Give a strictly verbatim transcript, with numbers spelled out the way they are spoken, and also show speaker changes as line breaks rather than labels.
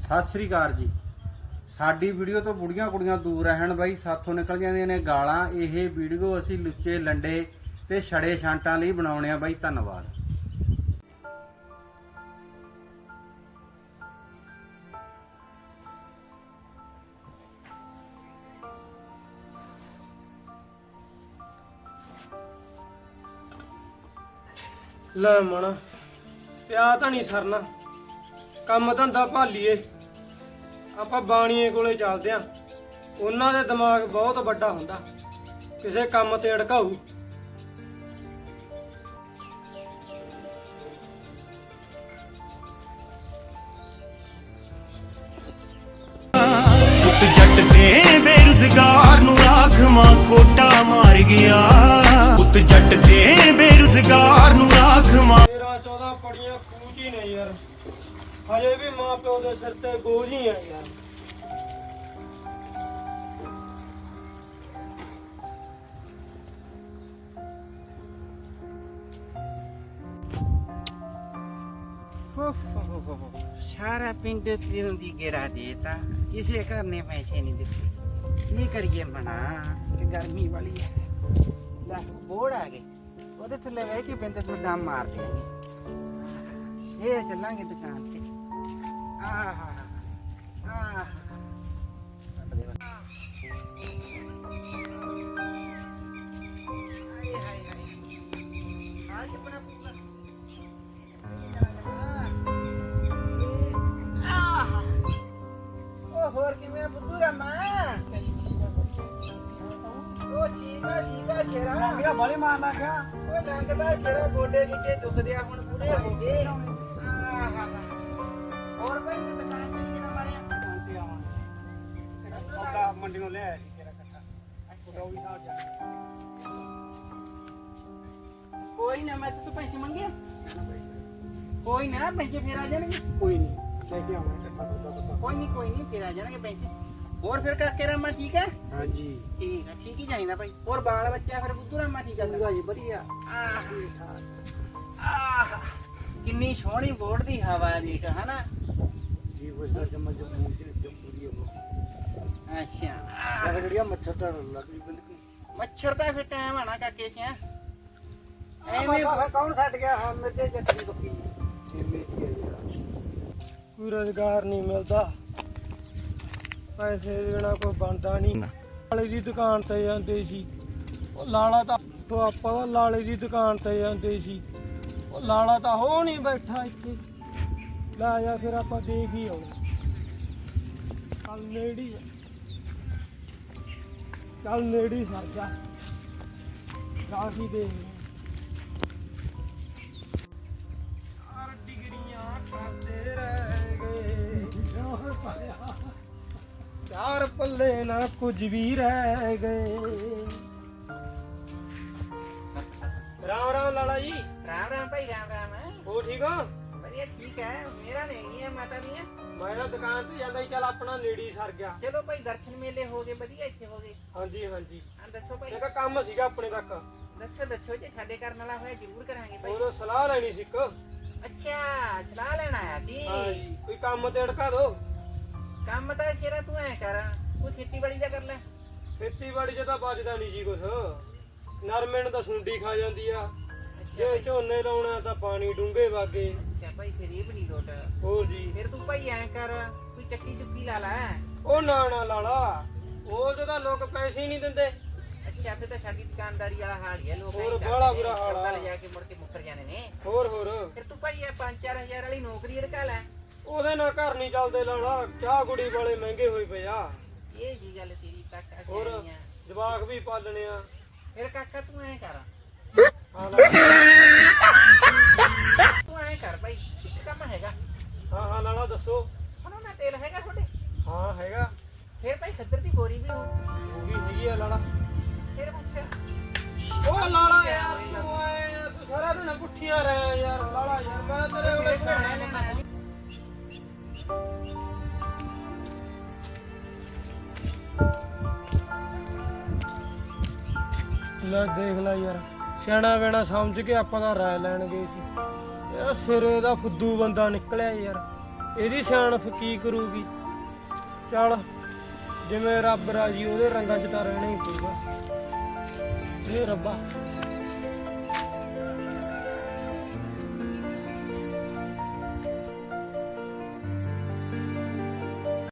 सत श्री अकाल जी। साडी वीडियो तो बुढ़िया कुड़ियां दूर रहन बई, साथों निकल जांदियां ने गालां। यह वीडियो असी लुच्चे लंडे ते छड़े छांटां लई बनाउणे आ बई। धन्नवाद।
ਲੈ ਮਣਾ ਪਿਆ ਤਾਂ ਨਹੀਂ ਸਰਨਾ, ਕੰਮ ਧੰਦਾ ਭਾਲੀਏ। ਆਪਾਂ ਬਾਣੀਏ ਕੋਲੇ ਚੱਲਦੇ ਆਂ, ਉਹਨਾਂ ਦੇ ਦਿਮਾਗ ਬਹੁਤ ਵੱਡਾ ਹੁੰਦਾ, ਕਿਸੇ ਕੰਮ ਤੇ ਅੜਕਾਊ।
ਪੁੱਤ ਜੱਟ ਦੇ ਬੇਰੁਜ਼ਗਾਰ ਨੂੰ ਰਾਖਵਾਂ ਕੋਟਾ ਮਾਰ ਗਿਆ। ਪੁੱਤ ਜੱਟ ਦੇ ਬੇਰੁਜ਼ਗਾਰ ਨੂੰ ਰਾਖਵਾਂ।
ਤੇਰਾਂ ਚੌਦਾਂ ਪੜੀਆਂ ਖੂਚ ਹੀ ਨੇ ਯਾਰ, ਹਜੇ ਵੀ ਮਾਂ ਪਿਓ ਦੇ ਸਿਰ ਤੇ ਬੋਝ ਹੀ ਆ ਯਾਰ।
सारा पिंड फिरन दी गेरा देता, किसी घर ने पैसे नहीं दिते। की करिए मना कि गर्मी वाली है। ला बोड़ आ गए ओदे थल्ले बह के बिंद तो दम मार देंगे। ये चलांगे दुकान पे। आहा आहा ਹੋਰ ਕਿਵੇਂ ਬੁੱਧੂ ਰਾਮਾ? ਉਹ ਚੀਨਾ ਚੀਨਾ ਸ਼ੇਰਾ ਮੇਰਾ ਬੜੇ ਮਾਰਨਾ ਗਿਆ। ਉਹ ਲੰਗਦਾ ਸ਼ੇਰਾ ਗੋਡੇ ਵਿੱਚੇ ਦੁਖਦੇ ਆ, ਹੁਣ ਪੂਰੇ ਹੋ ਗਏ। ਆਹਾ ਹੋਰ ਬਈ ਮੈਂ ਦੁਕਾਨ ਤੇ ਨਹੀਂ ਮਾਰਿਆ। ਦੁਕਾਨ ਤੇ ਆਵਾਂਗੇ, ਸੌਦਾ ਮੰਡੀੋਂ ਲੈ ਆਇਆ ਤੇਰਾ ਕੱਟਾ। ਉਹ ਵੀ ਨਾਲ ਜਾ। ਕੋਈ ਨਾ, ਮੈਂ ਤੂੰ ਪੈਸੇ ਮੰਗੇ। ਕੋਈ ਨਾ, ਪੈਸੇ ਫੇਰ ਆ ਜਾਣਗੇ।
ਕੋਈ ਨਹੀਂ, ਲੈ ਕੇ ਆਵਾਂਗੇ ਕੱਟਾ ਦੁੱਧ।
कोई नहीं कोई नहीं, फिर आ जाएंगे पैसे। और फिर काके रामा ठीक है?
हाँ जी
ठीक है, ठीक ही चाहिए भाई। और बाल बच्चा फिर बुद्धू रामा ठीक है?
पूरा जी बढ़िया।
किन्नी सोहनी बोर्ड दी हवा देख, है ना
जी। वो चम्मच जब मुंह से जब पूरी हो।
अच्छा
यार बढ़िया मच्छर तो लग गई बिल्कुल।
मच्छर दा फिर टाइम है ना काके से।
एवें कौन सट गया? हां मिर्चे चटनी पक्की छेमे की है यार। ਕੋਈ ਰੁਜ਼ਗਾਰ ਨਹੀਂ ਮਿਲਦਾ, ਪੈਸੇ ਦੇਣਾ ਕੋਈ ਬਣਦਾ ਨਹੀਂ। ਲਾਲੇ ਦੀ ਦੁਕਾਨ ਤੇ ਜਾਂਦੇ ਸੀ, ਉਹ ਲਾਲਾ ਤਾਂ ਤੋਂ ਆਪਾਂ ਤਾਂ ਲਾਲੇ ਦੀ ਦੁਕਾਨ ਤੇ ਜਾਂਦੇ ਸੀ। ਉਹ ਲਾਲਾ ਤਾਂ ਹੋ ਨਹੀਂ ਬੈਠਾ ਇੱਥੇ। ਲੈ ਜਾ ਫਿਰ ਆਪਾਂ ਦੇਖ ਹੀ ਆਉਣਾ। ਚੱਲ ਨੇੜੀ ਚੱਲ ਨੇੜੀ ਸਰ ਜਾ ਰਾਹੀ ਦੇ। चार पल्ले ना कुछ भी रह गए। राम राम लाला जी।
राम राम भाई, राम राम। है
हो ठीक हो?
बढ़िया ठीक है। मेरा नहीं है, माता नहीं है।
मैं दुकान ਤੇ ਜਾਂਦਾ ਹੀ, ਚੱਲ ਆਪਣਾ ਨੇੜੀ ਸਰ ਗਿਆ।
ਚਲੋ ਭਾਈ ਦਰਸ਼ਨ ਮੇਲੇ ਹੋ ਗਏ, ਵਧੀਆ ਇੱਥੇ ਹੋ ਗਏ।
ਹਾਂਜੀ ਹਾਂਜੀ।
ਹਾਂ ਦੱਸੋ ਭਾਈ।
ਇੱਕ ਕੰਮ ਸੀਗਾ ਆਪਣੇ ਤੱਕ।
ਦੱਸੋ ਦੱਸੋ, ਜੇ ਸਾਡੇ ਕਰਨ ਵਾਲਾ ਹੋਇਆ ਜ਼ਰੂਰ ਕਰਾਂਗੇ ਭਾਈ।
ਉਹ ਸਲਾਹ ਲੈਣੀ ਸੀ ਇੱਕ।
ਅੱਛਾ, ਸਲਾਹ ਲੈਣ ਆਇਆ ਸੀ।
ਹਾਂ ਜੀ, ਕੋਈ ਕੰਮ ਤੇ ਅੜਕਾ ਦੋ।
ਕੰਮ ਤਾਂ ਸ਼ੇਰਾ ਤੂੰ ਐ ਕਰ, ਕੋਈ ਖੇਤੀਬਾੜੀ ਦਾ ਕਰ ਲੈ।
ਖੇਤੀਬਾੜੀ 'ਚ ਤਾਂ ਬਚਦਾ ਨਹੀਂ ਜੀ ਕੁਛ। ਨਰਮੇ ਨੂੰ ਤਾਂ ਸੁੰਡੀ ਖਾ ਜਾਂਦੀ ਆ, ਜੇ ਝੋਨੇ ਲਾਉਣਾ ਤਾਂ ਪਾਣੀ ਡੂੰਘੇ ਵਾਗੇ।
ਅੱਛਾ ਭਾਈ, ਫਿਰ ਇਹ ਵੀ ਨਹੀਂ ਲੋਟ।
ਹੋਰ ਜੀ,
ਫਿਰ ਤੂੰ ਭਾਈ ਐ ਕਰ, ਕੋਈ ਚੱਕੀ ਚੁੱਕੀ ਲਾ ਲੈ।
ਉਹ ਨਾ ਨਾ ਲਾਲਾ, ਉਹ ਜਦੋਂ ਲੋਕ ਪੈਸੇ ਹੀ ਨਹੀਂ ਦਿੰਦੇ।
ਅੱਛਾ, ਫਿਰ ਤਾਂ ਸਾਡੀ ਦੁਕਾਨਦਾਰੀ ਵਾਲਾ ਹਾਲ ਹੀ ਹੈ। ਲੋਕ
ਹੋਰ ਬੜਾ ਬੁਰਾ ਹਾਲ ਆ।
ਲੈ ਜਾ ਕੇ ਮੁੜ ਕੇ ਮੁੱਕਰ ਜਾਂਦੇ ਨੇ।
ਹੋਰ ਹੋਰ
ਫਿਰ ਤੂੰ ਭਾਈ ਇਹ ਪੰਜ ਚਾਰ ਹਜ਼ਾਰ ਵਾਲੀ ਨੌਕਰੀ ਰਖਾ ਲੈ।
ਉਹਦੇ ਨਾਲ ਘਰ ਨਹੀਂ ਚੱਲਦੇ ਲਾਲਾ, ਚਾਹ ਕੁੜੀ ਵਾਲੇ ਮਹਿੰਗੇ ਹੋਏ ਪਏ ਆ।
ਇਹ ਜੀ ਗੱਲ ਤੇਰੀ ਕਾਕਾ
ਹੋਰ
ਸਿਆਣੀ ਆ।
ਜਵਾਕ ਵੀ ਪਾਲਣੇ ਆ।
ਫਿਰ ਕਾਕਾ ਤੂੰ ਐ ਕਰ,
ਹਾਂ ਲਾਲਾ।
ਤੂੰ ਐ ਕਰ ਭਾਈ, ਇੱਕ ਕੰਮ ਹੈਗਾ।
ਹਾਂ ਹਾਂ ਲਾਲਾ ਦੱਸੋ।
ਸੁਣੋ ਨਾ, ਤੇਲ ਹੈਗਾ ਤੁਹਾਡੇ?
ਹਾਂ ਹੈਗਾ।
ਫਿਰ ਭਾਈ ਖੱਦਰ ਦੀ ਗੋਰੀ ਵੀ ਹੋ।
ਉਹ ਵੀ ਹੈਗੀ ਆ ਲਾਲਾ।
ਫਿਰ ਪੁੱਛ।
ਉਹ ਲਾਲਾ ਯਾਰ ਤੂੰ ਆਏ ਤੂੰ ਸਾਰਾ ਦਿਨ ਪੁੱਠੀਆਂ ਰਹਿ ਯਾਰ ਲਾਲਾ ਯਾਰ। ਮੈਂ ਤੇਰੇ ਕੋਲ
ਲੈਣਾ ਲੈਣਾ ਹੈ।
ਲੈ ਦੇਖ ਲੈ ਯਾਰ, ਸਿਆਣਾ ਵੇਣਾ ਸਮਝ ਕੇ ਆਪਾਂ ਤਾਂ ਰਾਇ ਲੈਣ ਗਏ ਸੀ। ਇਹ ਸਿਰੇ ਦਾ ਫੁੱਦੂ ਬੰਦਾ ਨਿਕਲਿਆ ਯਾਰ। ਇਹਦੀ ਸਿਆਣਪ ਕੀ ਕਰੂਗੀ। ਚੱਲ ਜਿਵੇਂ ਰੱਬ ਰਾਜੀ ਉਹਦੇ ਰੰਗਾਂ 'ਚ ਤਾਂ ਰਹਿਣਾ ਹੀ ਪਊਗਾ। ਇਹ ਰੱਬਾ